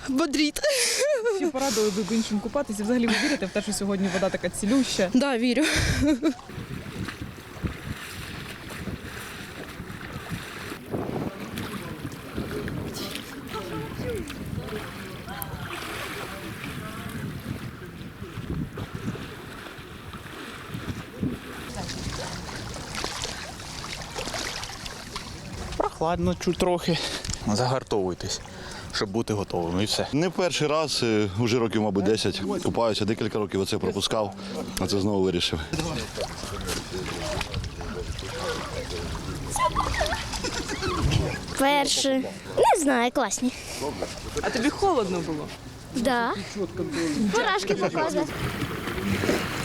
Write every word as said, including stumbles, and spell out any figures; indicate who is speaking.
Speaker 1: Бодріт.
Speaker 2: Чи порадили би іншим купатися? Взагалі ви вірите в те, що сьогодні вода така цілюща?
Speaker 1: Да, вірю.
Speaker 3: Прохладно чуть трохи. Загартовуйтесь, щоб бути готовими, і все.
Speaker 4: Не перший раз, е, вже років, мабуть, десять. Купаюся, декілька років оце пропускав, а це знову вирішив.
Speaker 5: Перше. Не знаю, класні.
Speaker 2: А тобі холодно було?
Speaker 5: Да. Мурашки показує.